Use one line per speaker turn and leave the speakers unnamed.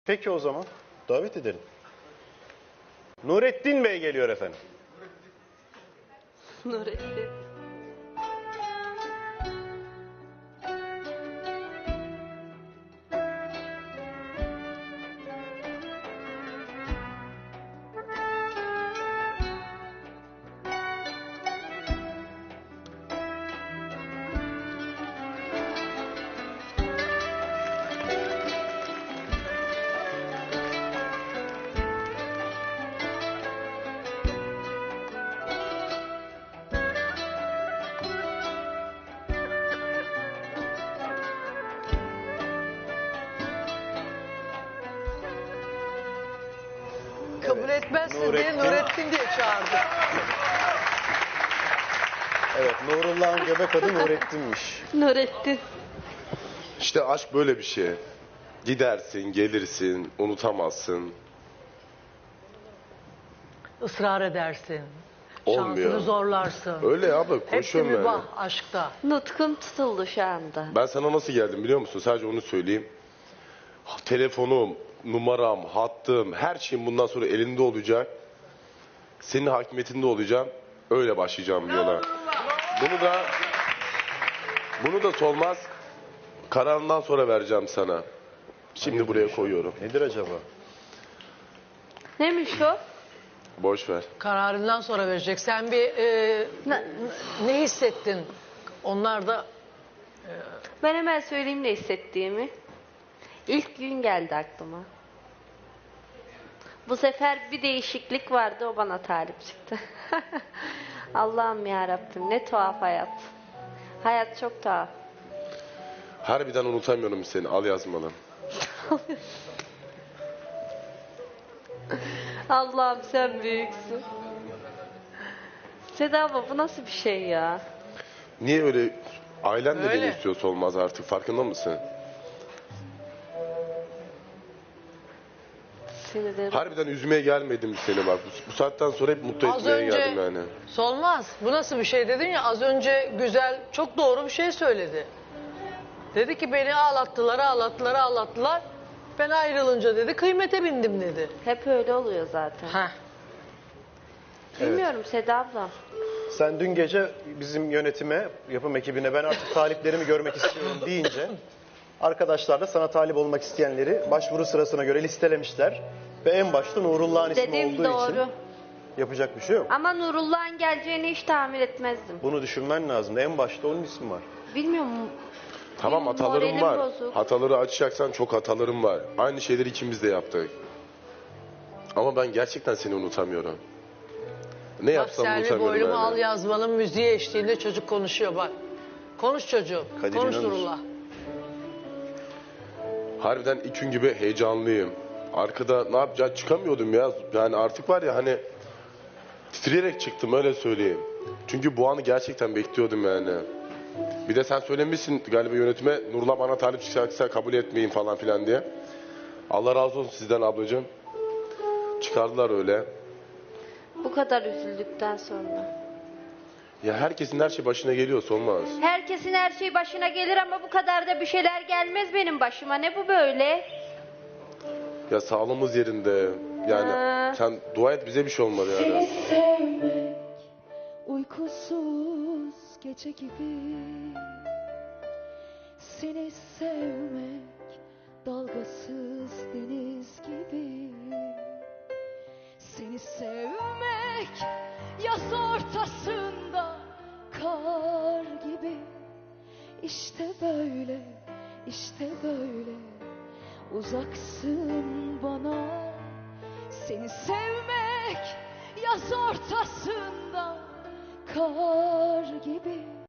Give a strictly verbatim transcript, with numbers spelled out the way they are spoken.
Peki o zaman davet edelim. Nurettin Bey geliyor efendim.
Nurettin.
Kabul etmezse diye
Nurettin.
Nurettin diye çağırdı.
Evet, Nurullah'ın göbek adı Nurettin'miş.
Nurettin.
İşte aşk böyle bir şey. Gidersin, gelirsin, unutamazsın.
Israr edersin.
Olmuyor.
Şansını zorlarsın.
Öyle abla,
Hepsi
konuşuyorum
mübah
yani.
aşkta.
Nutkun tutuldu şu anda.
Ben sana nasıl geldim biliyor musun? Sadece onu söyleyeyim. Ha, telefonum, numaram, hattım, her şeyim bundan sonra elinde olacak. Senin hakimiyetinde olacağım. Öyle başlayacağım yola. Bunu da bunu da Solmaz kararından sonra vereceğim sana. Şimdi buraya koyuyorum.
Nedir acaba?
Neymiş o?
Boş ver.
Kararından sonra verecek. Sen bir e,
Ne-
ne hissettin? Onlar da
Ben hemen söyleyeyim ne hissettiğimi. İlk gün geldi aklıma. Bu sefer bir değişiklik vardı, o bana talip çıktı. Allah'ım ya Rabbim, ne tuhaf hayat. Hayat çok tuhaf.
Harbiden unutamıyorum seni. Al yazmalı.
Allah'ım sen büyüksün. Seda abla, bu nasıl bir şey ya?
Niye öyle ailen de
Öyle.
beni istiyorsa olmaz artık, farkında mısın?
Sinirlerim.
Harbiden üzmeye gelmedim seni bak. Bu, bu saatten sonra hep mutlu
az
etmeye
önce
geldim yani.
Solmaz. Bu nasıl bir şey dedin ya, az önce güzel, çok doğru bir şey söyledi. Dedi ki beni ağlattılar, ağlattılar, ağlattılar. Ben ayrılınca dedi kıymete bindim dedi.
Hep öyle oluyor zaten.
Heh.
Bilmiyorum Seda abla.
Sen dün gece bizim yönetime, yapım ekibine ben artık taliplerimi görmek istiyorum deyince arkadaşlar da sana talip olmak isteyenleri başvuru sırasına göre listelemişler. Ve en başta Nurullah'ın ismi
Dediğim
olduğu
doğru.
için yapacak bir şey yok.
Ama Nurullah'ın geleceğini hiç tahmin etmezdim.
Bunu düşünmen lazım. En başta onun ismi var.
Bilmiyorum.
Tamam, hatalarım
Moralim
var.
bozuk.
Hataları açacaksan çok hatalarım var. Aynı şeyleri ikimiz de yaptık. Ama ben gerçekten seni unutamıyorum. Ne
Bak
yapsam
Selvi
unutamıyorum
boylumu al
yani.
yazmalım müziği eşliğinde çocuk konuşuyor bak. Konuş çocuğum.
Kadir
Konuş
İnanır.
Nurullah.
Harbiden ilk gün gibi heyecanlıyım. Arkada ne yapacağız çıkamıyordum ya. Yani artık var ya hani titreyerek çıktım, öyle söyleyeyim. Çünkü bu anı gerçekten bekliyordum yani. Bir de sen söylemişsin galiba yönetime, Nurullah bana talip çıkacaksa kabul etmeyin falan filan diye. Allah razı olsun sizden ablacığım. Çıkardılar öyle.
Bu kadar üzüldükten sonra.
Ya herkesin her şey başına geliyorsa olmaz.
Herkesin her şey başına gelir ama bu kadar da bir şeyler gelmez benim başıma. Ne bu böyle?
Ya sağlığımız yerinde. Yani
Ha.
sen dua et bize bir şey olmadı
Seni
yani.
sevmek uykusuz gece gibi. Seni sevmek dalgasız deniz gibi. Seni sevmek yaz ortasında kar gibi. İşte böyle, işte böyle uzaksın bana. Seni sevmek yaz ortasında kar gibi.